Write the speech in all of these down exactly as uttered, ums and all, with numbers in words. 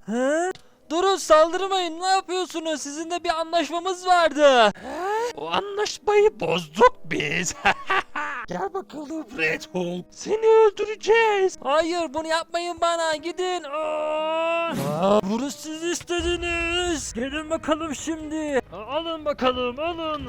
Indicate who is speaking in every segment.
Speaker 1: He? Durun, saldırmayın, ne yapıyorsunuz? Sizinle bir anlaşmamız vardı.
Speaker 2: O anlaşmayı bozduk biz. Gel bakalım Red Hulk. Seni öldüreceğiz.
Speaker 1: Hayır, bunu yapmayın bana, gidin. Aa! Aa, bunu siz istediniz. Gelin bakalım şimdi.
Speaker 2: Alın bakalım alın.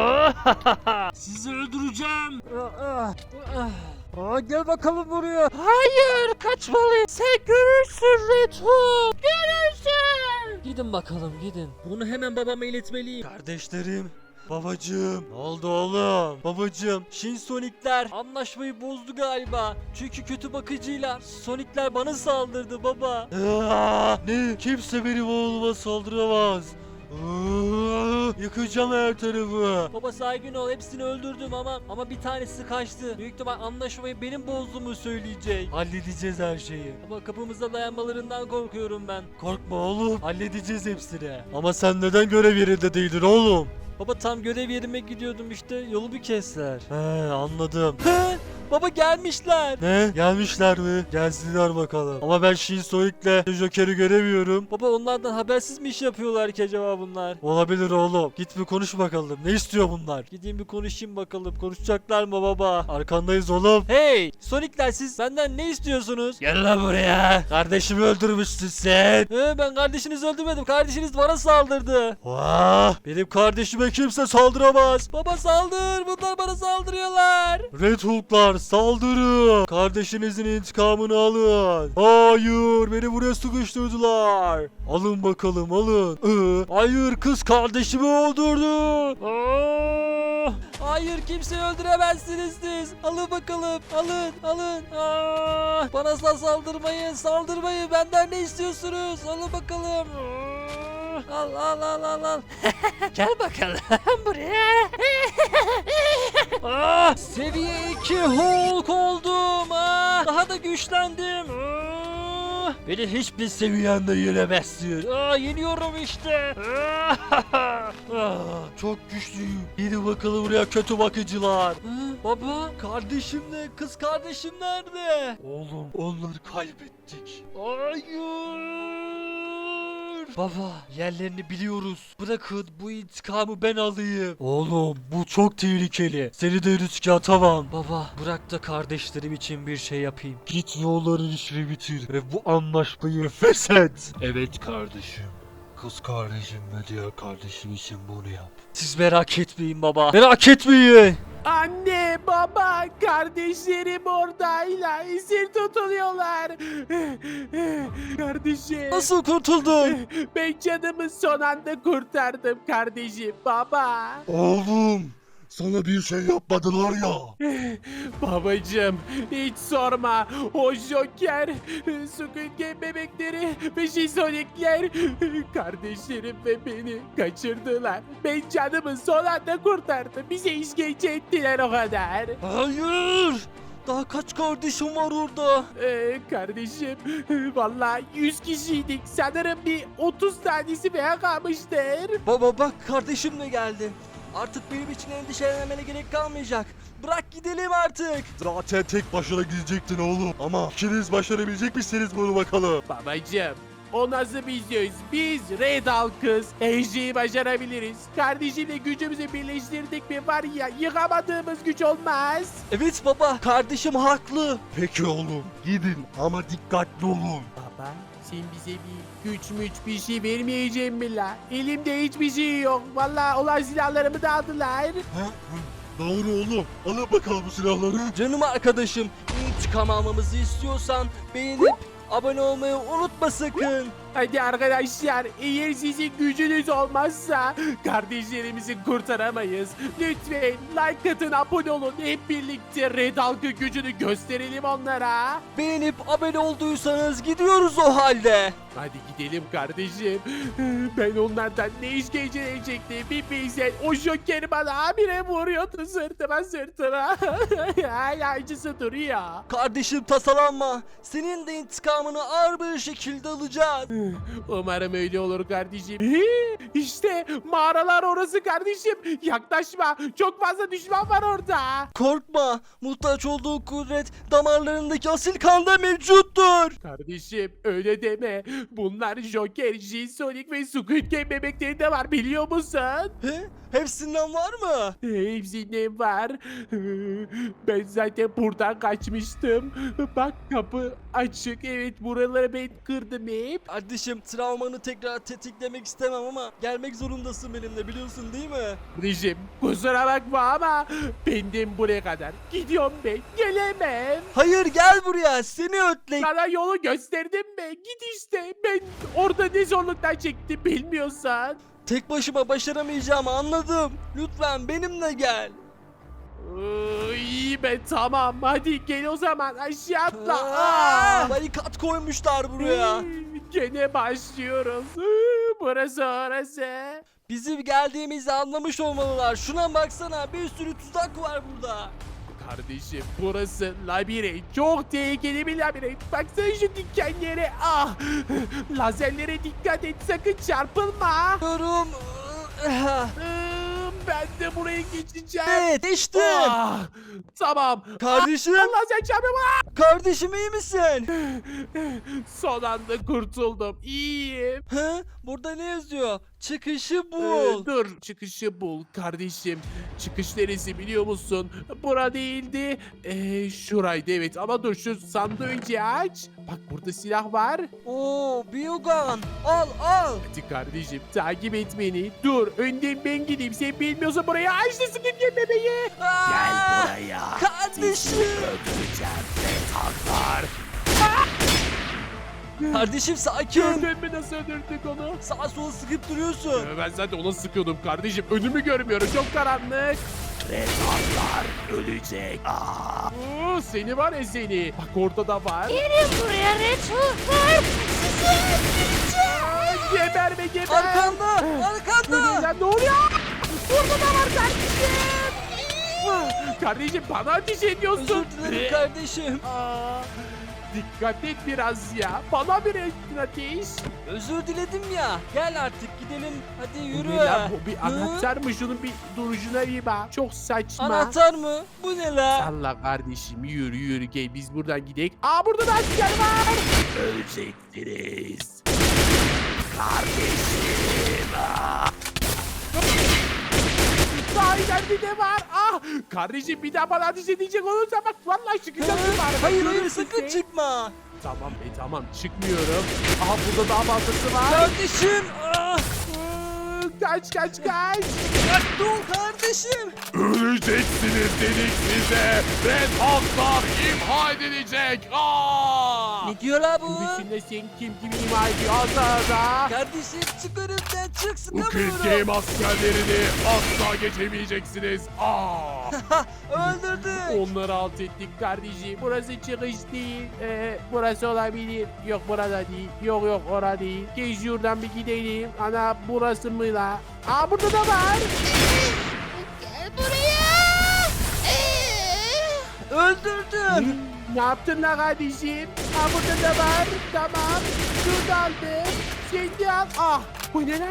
Speaker 1: Sizi öldüreceğim. Aa, aa. Aa, gel bakalım buraya.
Speaker 2: Hayır, kaçmalıyız. Sen görürsün Red Hulk. Görürsün.
Speaker 1: Gidin bakalım, gidin. Bunu hemen babama iletmeliyim.
Speaker 2: Kardeşlerim. Babacığım.
Speaker 1: Ne oldu oğlum? Babacığım, Shin Sonic'ler anlaşmayı bozdu galiba. Çünkü kötü bakıcıyla Sonic'ler bana saldırdı baba.
Speaker 2: Aa, ne? Kimse benim oğluma saldıramaz. Aa, yakacağım her tarafı.
Speaker 1: Baba sakin ol, hepsini öldürdüm ama ama bir tanesi kaçtı. Büyük ihtimal anlaşmayı benim bozduğumu söyleyecek.
Speaker 2: Halledeceğiz her şeyi.
Speaker 1: Ama kapımıza dayanmalarından korkuyorum ben.
Speaker 2: Korkma oğlum. Halledeceğiz hepsini. Ama sen neden görev yerinde değildin oğlum?
Speaker 1: Baba tam görev yerime gidiyordum, işte yolu bir kestiler.
Speaker 2: He, anladım.
Speaker 1: He, baba gelmişler.
Speaker 2: Ne? Gelmişler mi? Gelsinler bakalım. Ama ben Shinsonic'le Joker'i göremiyorum.
Speaker 1: Baba onlardan habersiz mi iş yapıyorlar ki acaba bunlar?
Speaker 2: Olabilir oğlum. Git bir konuş bakalım. Ne istiyor bunlar?
Speaker 1: Gideyim bir konuşayım bakalım. Konuşacaklar mı baba?
Speaker 2: Arkandayız oğlum.
Speaker 1: Hey! Sonic'ler, siz benden ne istiyorsunuz?
Speaker 2: Gel lan buraya. Kardeşimi öldürmüşsün sen.
Speaker 1: He, ben kardeşinizi öldürmedim. Kardeşiniz bana saldırdı.
Speaker 2: Vah! Benim kardeşime kimse saldıramaz.
Speaker 1: Baba saldır. Bunlar bana saldırıyorlar.
Speaker 2: Red Hulk'lar saldırın. Kardeşinizin intikamını alın. Hayır, beni buraya sıkıştırdılar. Alın bakalım, alın. Ee, hayır, kız kardeşimi öldürdü.
Speaker 1: Aa! Hayır, kimseyi öldüremezsiniz siz. Alın bakalım. Alın. Alın. Aa! Bana asla saldırmayın. Saldırmayın. Benden ne istiyorsunuz? Alın bakalım. Aa! Al al al al al.
Speaker 2: Gel bakalım buraya.
Speaker 1: Ah, seviye iki Hulk oldum. Ah, daha da güçlendim. Ah,
Speaker 2: Beni hiçbir seviyende yenemezsin.
Speaker 1: ah, yeniyorum işte.
Speaker 2: Ah, çok güçlüyüm. Gidin bakalım buraya kötü bakıcılar.
Speaker 1: Ah, baba, kardeşimle kız kardeşim nerede?
Speaker 2: Oğlum, onları kaybettik.
Speaker 1: Hayır.
Speaker 2: Baba, yerlerini biliyoruz. Bırakın bu intikamı ben alayım. Oğlum, bu çok tehlikeli. Seni de riske atamam.
Speaker 1: Baba, bırak da kardeşlerim için bir şey yapayım.
Speaker 2: Git yolların işini bitir ve bu anlaşmayı feshet. Evet kardeşim. Kız kardeşim ve diğer kardeşim için bunu yap.
Speaker 1: Siz merak etmeyin baba. Merak etmeyin.
Speaker 3: Anne, baba, kardeşlerim oradayla esir tutuluyorlar. Kardeşim.
Speaker 1: Nasıl kurtuldun?
Speaker 3: Ben canımı son anda kurtardım kardeşim, baba.
Speaker 2: Oğlum, sana bir şey yapmadılar ya.
Speaker 3: Babacım, hiç sorma. O Joker, Squid Game bebekleri ve Shizonikler kardeşlerim ve beni kaçırdılar. Ben canımı son anda kurtardım. Bize işkence ettiler o kadar.
Speaker 1: Hayır. Daha kaç kardeşim var orada?
Speaker 3: Ee, kardeşim, vallahi yüz kişiydik. Sanırım bir otuz tanesi veya kalmıştır.
Speaker 1: Baba bak, kardeşim de geldi. Artık benim için endişelenmene gerek kalmayacak. Bırak gidelim artık.
Speaker 2: Zaten tek başına gidecektin oğlum. Ama ikiniz başarabilecek misiniz bunu bakalım?
Speaker 3: Babacım, o nasıl bir söz? Biz Red Hulk'ız. Her şeyi başarabiliriz. Kardeşimle gücümüzü birleştirdik mi var ya, yıkamadığımız güç olmaz.
Speaker 1: Evet baba, kardeşim haklı.
Speaker 2: Peki oğlum, gidin ama dikkatli olun.
Speaker 3: Baba, sen bize bir güç müç bir şey vermeyeceğim mi la? Elimde hiçbir şey yok. Vallahi olan silahlarımı da aldılar.
Speaker 2: Ha? Doğru oğlum. Alın bakalım bu silahları.
Speaker 1: Canım arkadaşım, intikam almamızı istiyorsan beğenip abone olmayı unutma sakın.
Speaker 3: Hadi arkadaşlar, eğer sizin gücünüz olmazsa kardeşlerimizi kurtaramayız. Lütfen like atın, abone olun. Hep birlikte Red Hulk'ın gücünü gösterelim onlara.
Speaker 1: Beğenip abone olduysanız gidiyoruz o halde.
Speaker 3: Hadi gidelim kardeşim. Ben onlardan ne işkence edecektim bir bilsen. O Joker bana habire vuruyordu sırtıma sırtıma. Hala acısı duruyor.
Speaker 1: Kardeşim tasalanma. Senin de intikamını ağır bir şekilde alacağız.
Speaker 3: Umarım öyle olur kardeşim. Hii, İşte mağaralar orası kardeşim. Yaklaşma. Çok fazla düşman var orada.
Speaker 1: Korkma. Muhtaç olduğu kudret damarlarındaki asil kanda mevcuttur.
Speaker 3: Kardeşim öyle deme. Bunlar Joker, G-Sonic ve Squid Game bebekleri de var biliyor musun?
Speaker 1: He? Hepsinden var mı?
Speaker 3: Hepsinde var. Ben zaten buradan kaçmıştım. Bak kapı açık. Evet buraları ben kırdım hep.
Speaker 1: Kardeşim travmanı tekrar tetiklemek istemem ama gelmek zorundasın benimle biliyorsun değil mi?
Speaker 3: Rejim kusura bakma ama benden buraya kadar. Gidiyorum ben. Gelemem.
Speaker 1: Hayır gel buraya seni ötlek.
Speaker 3: Sana yolu gösterdim mi? Git işte. Ben orada ne zorluklar çektim bilmiyorsan.
Speaker 1: Tek başıma başaramayacağımı anladım. Lütfen benimle gel.
Speaker 3: Iı, İyi be tamam. Hadi gel o zaman aşağı atla.
Speaker 1: Aa,
Speaker 3: Aa!
Speaker 1: barikat koymuşlar buraya.
Speaker 3: Gene başlıyoruz. Iı, Burası orası.
Speaker 1: Bizim geldiğimizi anlamış olmalılar. Şuna baksana bir sürü tuzak var burada.
Speaker 3: Kardeşim burası labirent. Çok tehlikeli bir labirent. Baksana şu dikenlere. Ah! Lazerlere dikkat et sakın çarpılma.
Speaker 1: Diyorum.
Speaker 3: Iı, Ben de buraya geçeceğim.
Speaker 1: Evet geçtim.
Speaker 3: Ah! Tamam.
Speaker 1: Kardeşim.
Speaker 3: Ah, lazer çarpma.
Speaker 1: Kardeşim iyi misin?
Speaker 3: Son anda kurtuldum. İyiyim.
Speaker 1: Hı? Burada ne yazıyor? Çıkışı
Speaker 3: Ee,
Speaker 1: bul.
Speaker 3: dur çıkışı bul kardeşim. Çıkış neresi biliyor musun? Bura değildi. Ee, şuraydı evet ama dur şu sandığı önce aç. Bak burada silah var.
Speaker 1: Oo, Biogan. Al al.
Speaker 3: Hadi kardeşim takip et beni. Dur önden ben gideyim. Sen bilmiyorsan buraya aç da sıkıntı bebeği.
Speaker 1: Aa,
Speaker 3: buraya.
Speaker 1: Kardeşim.
Speaker 3: Öldüreceğim ve taklar.
Speaker 1: Kardeşim sakin.
Speaker 3: Gördün mü nasıl öldürdük onu?
Speaker 1: Sağa sola sıkıp duruyorsun.
Speaker 3: Ee, Ben zaten ona sıkıyordum kardeşim. Önümü görmüyorum. Çok karanlık. Redaklar ölecek. Oo, seni var ya seni. Bak orada da var.
Speaker 4: Gelin buraya Reçofer. Sizi öldüreceğim.
Speaker 3: Aa, Geber be geber.
Speaker 1: Arkanda.
Speaker 3: Bu ne
Speaker 1: Arkanda.
Speaker 3: lan, ne oluyor? Burada da var kardeşim. Ah, Kardeşim bana ateş ediyorsun.
Speaker 1: Özür dilerim kardeşim.
Speaker 3: Aa, dikkat et biraz ya. Bana bir ettin ateş.
Speaker 1: Özür diledim ya. Gel artık gidelim. Hadi
Speaker 3: Bu
Speaker 1: yürü.
Speaker 3: ne lan, bu bir
Speaker 1: Hı?
Speaker 3: anahtar mı? Şunun bir duruşuna bir bak. Çok saçma.
Speaker 1: Anahtar mı? Bu ne la?
Speaker 3: Salla kardeşim yürü yürü gel biz buradan gidelim. Aa burada da asker var. Ölecektiniz. Kardeşim. Daha ileride de var. Ah kardeşim bir daha bana ateş edecek olursa bak vallahi çıkacağım.
Speaker 1: Hı?
Speaker 3: bari.
Speaker 1: Hayır hayır
Speaker 3: Görürsün
Speaker 1: sakın
Speaker 3: sen.
Speaker 1: çıkma.
Speaker 3: Tamam be tamam çıkmıyorum. Aha burada daha fazlası var.
Speaker 1: Kardeşim. Ah,
Speaker 3: Iı, Kaç kaç kaç.
Speaker 1: bak dur kardeşim.
Speaker 3: Öleceksiniz dedik size. Red Hulk'lar imha edilecek. Aa!
Speaker 1: Ne diyor la bu?
Speaker 3: Öbürsünde sen kim kimi imha ediyor az daha.
Speaker 1: Kardeşim çık önümden çık
Speaker 3: Bu Squid
Speaker 1: sıkamıyorum.
Speaker 3: Game askerlerini asla geçemeyeceksiniz. Aa!
Speaker 1: Öldürdük.
Speaker 3: Onları alt ettik kardeşim. Burası çıkış değil. Ee, burası olabilir. Yok burada değil. Yok yok orada değil. Gel şuradan bir gidelim. Ana burası mı la? Aa burada da var.
Speaker 4: Gel buraya. Ee,
Speaker 1: Öldürdüm.
Speaker 3: Ne yaptın la kardeşim? Aa burada da var. Tamam. Şunu da aldım. Sen de al. Ah bu ne la?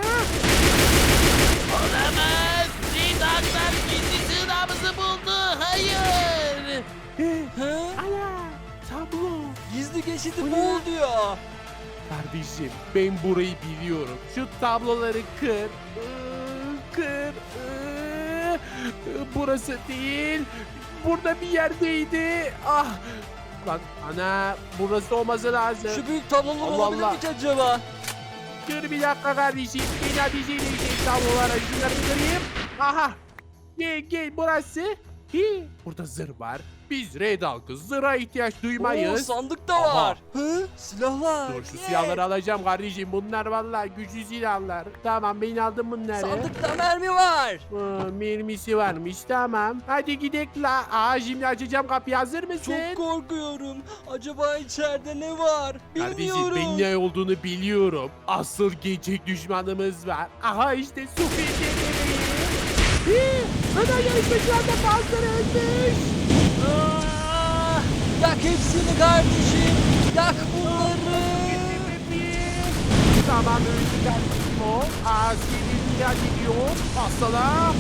Speaker 5: Olamaz. Redaklar gizli sığınağımızı buldu. Hayır.
Speaker 1: Hı?
Speaker 3: Ana tablo.
Speaker 1: Gizli geçidi
Speaker 3: Bu ne
Speaker 1: bul
Speaker 3: lan?
Speaker 1: diyor.
Speaker 3: Kardeşim ben burayı biliyorum. Şu tabloları kır. Iı, Kır. Iı, Burası değil. Burada bir yerdeydi. Ah. Lan ana burası olması lazım.
Speaker 1: Şu büyük tablolar
Speaker 3: Allah
Speaker 1: olabilir
Speaker 3: Allah.
Speaker 1: mi ki acaba?
Speaker 3: Dur bir dakika kardeşim. Beni ateş edecek tablolara. Şunları bir kırayım. Aha. Gel gel burası. Hi. Burada zırh var. Biz Red Hulk'ız. Zırha ihtiyaç
Speaker 1: Oo,
Speaker 3: duymayız.
Speaker 1: sandık da
Speaker 3: Aha.
Speaker 1: var. Hı? Silahlar.
Speaker 3: Dur şu
Speaker 1: Yes.
Speaker 3: silahları alacağım kardeşim. Bunlar vallahi güçlü silahlar. Tamam ben aldım bunları.
Speaker 1: Sandıkta mermi var.
Speaker 3: Aa, mermisi varmış tamam. Hadi gidelim la. Aa şimdi açacağım kapıyı hazır mısın?
Speaker 1: Çok korkuyorum. Acaba içeride ne var?
Speaker 3: Kardeşim
Speaker 1: Bilmiyorum.
Speaker 3: ben ne olduğunu biliyorum. Asıl gerçek düşmanımız var. Aha işte Squid Game. Ömer yarışmacılardan bazıları ölmüş.
Speaker 1: Aa, yak hepsini kardeşim. Yak bunları.
Speaker 3: Tamam öldü kardeşim o. Aa senin ya gidiyor. Asala.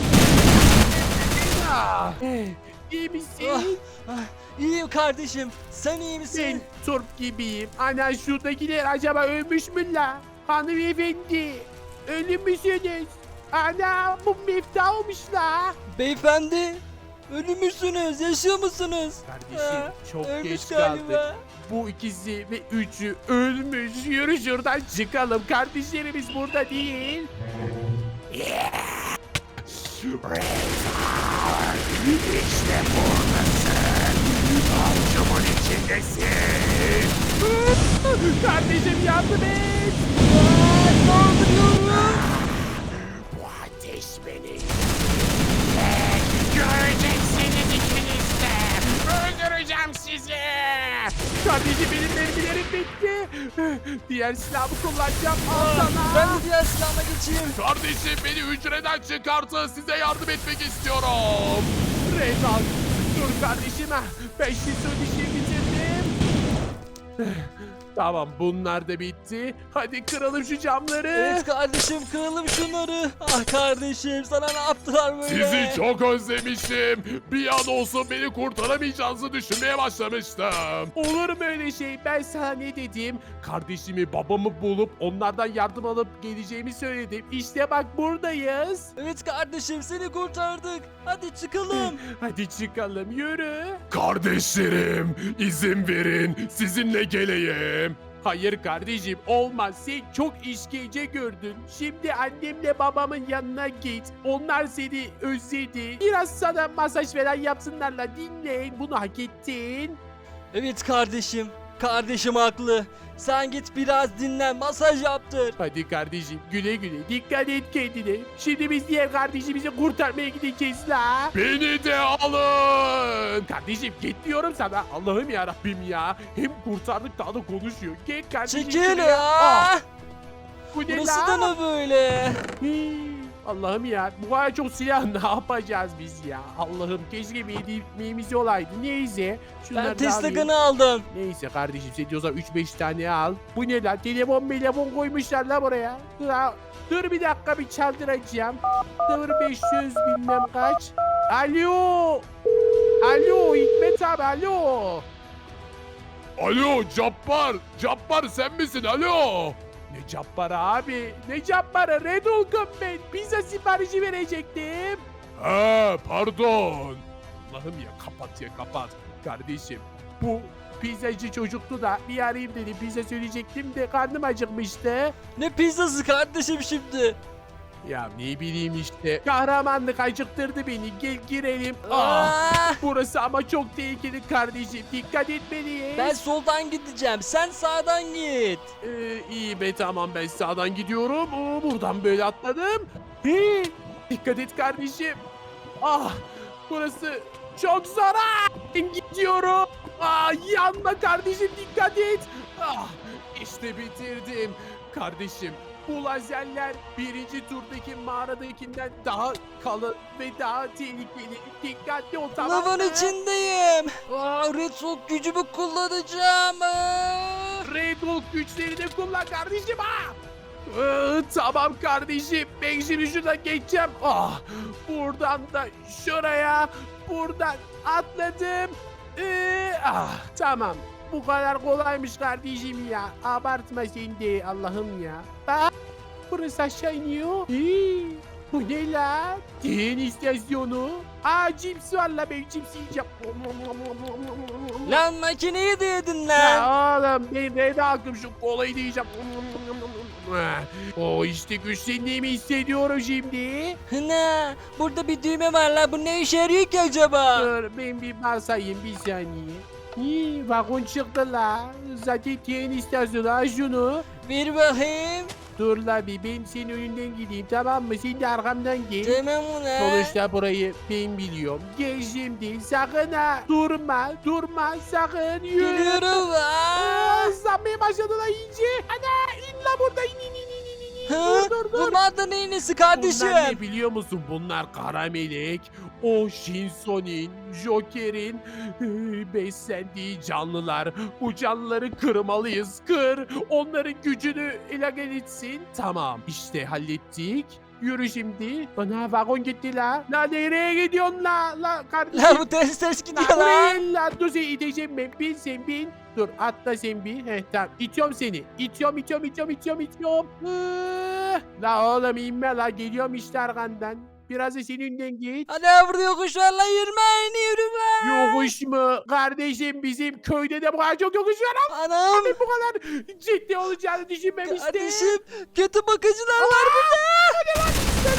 Speaker 3: Ah, eh, İyi
Speaker 1: Ah,
Speaker 3: misin?
Speaker 1: ah, İyiyim kardeşim. Sen iyi
Speaker 3: Ben
Speaker 1: misin?
Speaker 3: turp gibiyim. Ana şuradakiler acaba ölmüş mü la? Hanımefendi. Ölü müsünüz? Ana bu mefta olmuş la.
Speaker 1: Beyefendi. Ölü müsünüz? Yaşıyor musunuz?
Speaker 3: Kardeşim
Speaker 1: Ha,
Speaker 3: çok
Speaker 1: ölmüş
Speaker 3: geç
Speaker 1: galiba.
Speaker 3: kaldık. Bu ikisi ve üçü ölmüş. Yürü şuradan çıkalım. Kardeşlerimiz burada değil. İşte buradasın. Avcumun içindesin. Kardeşim yardım et. Bu ateş beni. Göreceksiniz ikiniz de. Öldüreceğim sizi. Kardeşim benim mermilerim bitti. Diğer silahımı kullanacağım. Al sana.
Speaker 1: Ben de diğer silahıma geçeyim.
Speaker 3: Kardeşim beni hücreden çıkartın. Size yardım etmek istiyorum. Rezal. Dur kardeşim. ha. Ben şimdi işi bitirdim. Tamam bunlar da bitti. Hadi kıralım şu camları.
Speaker 1: Evet kardeşim, kıralım şunları. Ah kardeşim, sana ne yaptılar böyle?
Speaker 6: Sizi çok özlemişim. Bir an olsun beni kurtaramayacağınızı düşünmeye başlamıştım.
Speaker 3: Olur mu öyle şey? Ben sana ne dedim? Kardeşimi, babamı bulup onlardan yardım alıp geleceğimi söyledim. İşte bak buradayız.
Speaker 1: Evet kardeşim, seni kurtardık. Hadi çıkalım.
Speaker 3: Hadi çıkalım yürü.
Speaker 6: Kardeşlerim, izin verin, sizinle geleyim.
Speaker 3: Hayır kardeşim olmaz. Sen çok işkence gördün. Şimdi annemle babamın yanına git. Onlar seni özledi. Biraz sana masaj falan yapsınlarla dinleyin. Bunu hak ettin.
Speaker 1: Evet kardeşim, kardeşim haklı. Sen git biraz dinlen, masaj yaptır.
Speaker 3: Hadi kardeşim güle güle. Dikkat et kendine. Şimdi biz diğer kardeşimizi kurtarmaya gideceğiz la.
Speaker 6: Beni de alın.
Speaker 3: Kardeşim git diyorum sana. Allah'ım ya Rabbim ya. Hem kurtardık daha da konuşuyor. Gel kardeşim.
Speaker 1: Çekil
Speaker 3: şuraya.
Speaker 1: ya.
Speaker 3: Ah, bu ne
Speaker 1: Burası
Speaker 3: la?
Speaker 1: da ne böyle?
Speaker 3: Hii, Allah'ım ya bu kadar çok silah ne yapacağız biz ya? Allah'ım keşke bir hediyemiz olaydı. Neyse. Şunları
Speaker 1: Ben
Speaker 3: da
Speaker 1: Tesla
Speaker 3: alayım.
Speaker 1: kanı aldım.
Speaker 3: Neyse kardeşim sen diyorsan üç beş tane al. Bu ne lan? Telefon telefon koymuşlar la buraya. Dur, ha- dur bir dakika bir çaldıracağım. Dur beş yüz bilmem kaç. Alo. Alo Hikmet abi alo.
Speaker 6: Alo Cabbar, Cabbar sen misin alo?
Speaker 3: Ne Cabbar abi? Ne Cabbar'ı? Red Hulk'um ben. Pizza siparişi verecektim.
Speaker 6: Ha pardon.
Speaker 3: Allah'ım ya kapat ya kapat. Kardeşim bu pizzacı çocuktu da bir arayayım dedim. Pizza söyleyecektim de karnım acıkmıştı.
Speaker 1: Ne pizzası kardeşim şimdi?
Speaker 3: Ya ne bileyim işte. Kahramanlık acıktırdı beni. Gel girelim. Ah,
Speaker 1: Ah,
Speaker 3: burası ama çok tehlikeli kardeşim. Dikkat etmeliyiz.
Speaker 1: ben soldan gideceğim, sen sağdan git.
Speaker 3: Ee, iyi be tamam ben sağdan gidiyorum. Oo, buradan böyle atladım. Hii, dikkat et kardeşim. Ah burası çok zor. Ah, ben gidiyorum. Ah, yanma kardeşim dikkat et. Ah, işte bitirdim. Kardeşim bu lazerler birinci turdaki mağaradakinden daha kalın ve daha tehlikeli. Dikkatli ol tamam mı?
Speaker 1: Lavın içindeyim. Aa, Red Hulk gücümü kullanacağım. Aa.
Speaker 3: Red Hulk güçlerini kullan kardeşim ha. Ee, tamam kardeşim. Ben şimdi şuradan geçeceğim. Ah, buradan da şuraya. Buradan atladım. Ee, ah, tamam. Bu kadar kolaymış kardeşim ya. Abartma sen de Allah'ım ya. Bak burası aşağı iniyor. Ee, bu ne la? Tren istasyonu. Aa cips var la ben cips yiyeceğim.
Speaker 1: Lan makineyi de yedin lan.
Speaker 3: Ya oğlum ben Red Hulk'ım şu kolayı diyeceğim. O işte güçlendiğimi hissediyorum şimdi.
Speaker 1: Ne? Burada bir düğme var lan. Bu ne işe yarıyor ki acaba?
Speaker 3: Dur ben bir basayım bir saniye. İyi vagon çıktı la. Zaten tren istasyonu al şunu.
Speaker 1: Ver bakayım.
Speaker 3: Dur la bir ben senin önünden gideyim tamam mı? Sen de arkamdan gel.
Speaker 1: Tamam ulan.
Speaker 3: Sonuçta burayı ben biliyorum. Gel şimdi sakın ha. Durma durma sakın yürü.
Speaker 1: Geliyorum. Aa.
Speaker 3: Aa, Sanmaya başladı la iyice. Ana in la burada in in in in in in.
Speaker 1: Ha?
Speaker 3: Dur dur
Speaker 1: Bunlar da neyin nesi kardeşim?
Speaker 3: Bunlar ne biliyor musun? Bunlar kara melek, o Shinso'nin, Joker'in e, beslendiği canlılar. Bu canlıları kırmalıyız. Kır. Onların gücünü ele geçsin. Tamam. İşte hallettik. Yürü şimdi. Ana vagon gitti la. La nereye gidiyorsun la? La kardeşim.
Speaker 1: La bu ters ters
Speaker 3: La
Speaker 1: gidiyor lan.
Speaker 3: buraya la. Dur seni iteceğim ben. Bin sen bin. Dur atla sen bir. Heh tamam. İtiyorum seni. İtiyorum itiyorum itiyorum itiyorum itiyorum. Hıh. La oğlum inme la. Geliyorum işte arkandan. Biraz da senin önden git.
Speaker 1: Ana burada yokuş var lan yürümeyin yürüme.
Speaker 3: Yokuş mu? Kardeşim bizim köyde de bu kadar çok yokuş var ama
Speaker 1: Anam.
Speaker 3: bu kadar ciddi olacağını düşünmemiştim.
Speaker 1: Kardeşim kötü bakıcılar var burada.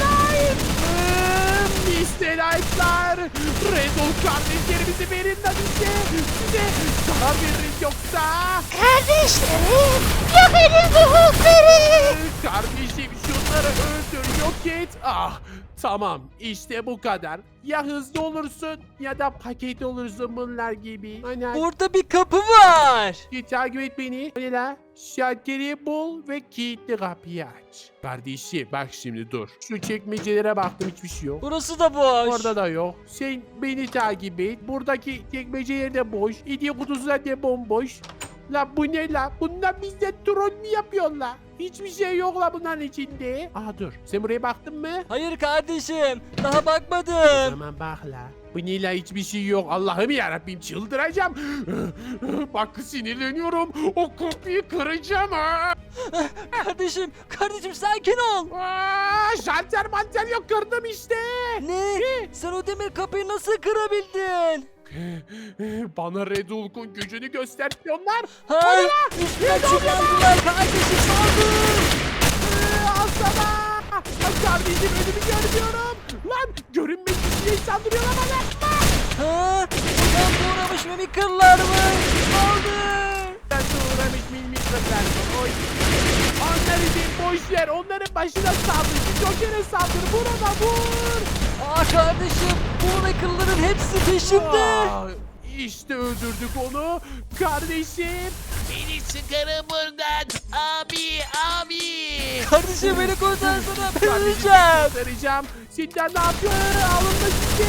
Speaker 3: mister Knight'lar, Red Bull kardeşlerimizi verin lan bize. Size zarar veririz yoksa.
Speaker 4: Kardeşlerim, yok edin bu Hulk'ları.
Speaker 3: Kardeşim şunları öldür, yok et. Ah tamam işte bu kadar. Ya hızlı olursun ya da paket olursun bunlar gibi. Ana
Speaker 1: Burada bir kapı var.
Speaker 3: git takip et beni. Hadi la. Şalteri bul ve kilitli kapıyı aç. Kardeşim bak şimdi dur. Şu çekmecelere baktım hiçbir şey yok.
Speaker 1: Burası da boş.
Speaker 3: Orada da yok. Sen beni takip et. Buradaki çekmeceler de boş. Hediye kutusu da bomboş. La bu ne la? Bunlar bizde troll mü yapıyorlar? Hiçbir şey yok la bunların içinde. Aa dur. Sen buraya baktın mı?
Speaker 1: Hayır kardeşim daha bakmadım.
Speaker 3: Tamam bak la. Bu ne la hiçbir şey yok. Allah'ım yarabbim çıldıracağım. Bak sinirleniyorum. O kapıyı kıracağım ha.
Speaker 1: Kardeşim kardeşim sakin ol.
Speaker 3: Aa, şalter manter yok kırdım işte.
Speaker 1: Ne? Sen o demir kapıyı nasıl kırabildin?
Speaker 3: Bana Red Hulk'un gücünü gösteriyorlar.
Speaker 1: Ha? Üstüne çullandılar kardeşim saldır.
Speaker 3: Ee, Al sana. Ay kardeşim önümü görmüyorum. Lan görünmek için saldırıyorlar bana.
Speaker 1: Ha? Buradan doğramış mimikırlar mı? Saldır.
Speaker 3: Ben de uğramış milmitler. Oy. Onları bir boş ver. Onların başına saldır. Joker'e saldır. Vur ona vur.
Speaker 1: Aa kardeşim bu mimikırların hepsi peşimde.
Speaker 3: Aa, İşte öldürdük onu. Kardeşim.
Speaker 5: Beni çıkarın buradan. Abi abi.
Speaker 1: Kardeşim beni kurtarsana ben
Speaker 3: Kardeşim
Speaker 1: öleceğim.
Speaker 3: kurtaracağım. Sizden ne yapıyor? Alınma sizi.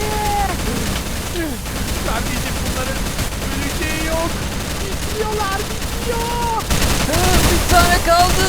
Speaker 3: Kardeşim bunların öleceği yok. Bitmiyorlar bitmiyor.
Speaker 1: Ha, bir tane kaldı.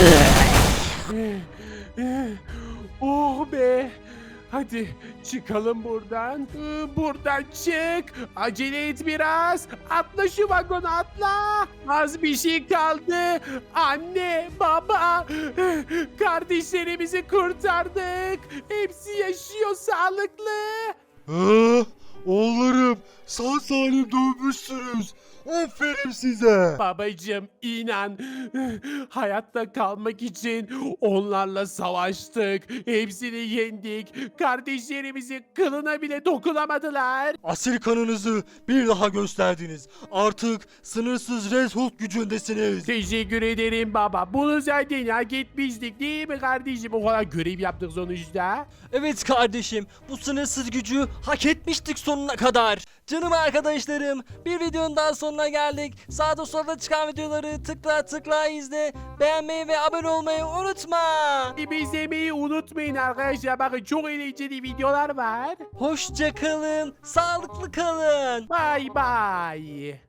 Speaker 3: Oh be. Hadi çıkalım buradan. Ee, Buradan çık. Acele et biraz. Atla şu vagona atla. Az bir şey kaldı. Anne, baba. Kardeşlerimizi kurtardık. Hepsi yaşıyor sağlıklı.
Speaker 2: Ha? Oğullarım sağ salim dönmüşsünüz. Aferin size.
Speaker 3: Babacım inan hayatta kalmak için onlarla savaştık. Hepsini yendik. Kardeşlerimizi kılına bile dokunamadılar.
Speaker 2: Asil kanınızı bir daha gösterdiniz. Artık sınırsız Red Hulk gücündesiniz.
Speaker 3: Teşekkür ederim baba. Bunu zaten hak etmiştik değil mi kardeşim? O kadar görev yaptık sonuçta.
Speaker 1: Evet kardeşim bu sınırsız gücü hak etmiştik sonuna kadar. Canım arkadaşlarım bir videonun daha sonuna geldik. Sağda solda çıkan videoları tıkla tıkla izle. Beğenmeyi ve abone olmayı unutma.
Speaker 3: Bizi izlemeyi unutmayın arkadaşlar. Bakın çok eğlenceli videolar var.
Speaker 1: Hoşça kalın, sağlıklı kalın.
Speaker 3: Bye bye.